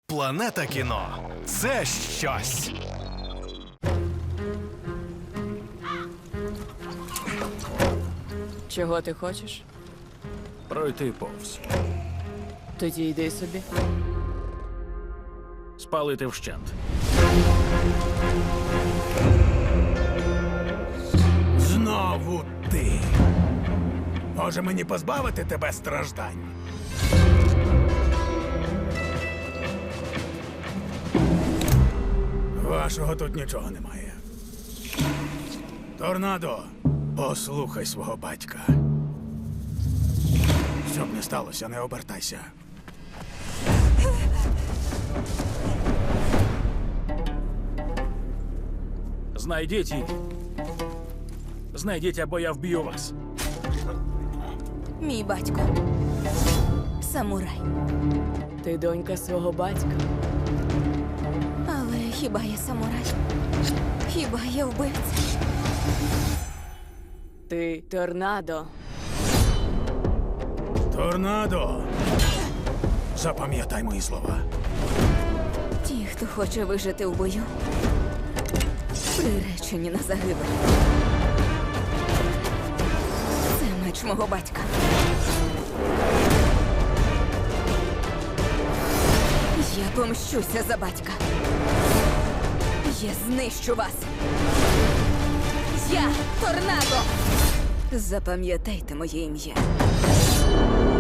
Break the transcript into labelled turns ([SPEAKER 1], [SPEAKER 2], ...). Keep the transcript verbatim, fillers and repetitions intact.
[SPEAKER 1] Планета кіно – це щось.
[SPEAKER 2] Чого ти хочеш?
[SPEAKER 3] Пройти повз.
[SPEAKER 2] Тоді йди собі.
[SPEAKER 3] Спалити вщент.
[SPEAKER 4] Знову ти. Може мені позбавити тебе страждань? Вашого тут нічого немає. Торнадо, послухай свого батька. Що б не сталося, не обертайся.
[SPEAKER 3] Знайдіть її. Знайдіть, або я вб'ю вас.
[SPEAKER 5] Мій батько. Самурай.
[SPEAKER 2] Ти донька свого батька.
[SPEAKER 5] Але хіба я самурай? Хіба я вбивця?
[SPEAKER 2] Ти торнадо.
[SPEAKER 4] Торнадо! Запам'ятай мої слова.
[SPEAKER 5] Ті, хто хоче вижити в бою, приречені на загибель. Це меч мого батька. Я помщуся за батька. Я знищу вас. Я торнадо. Запам'ятайте моє ім'я.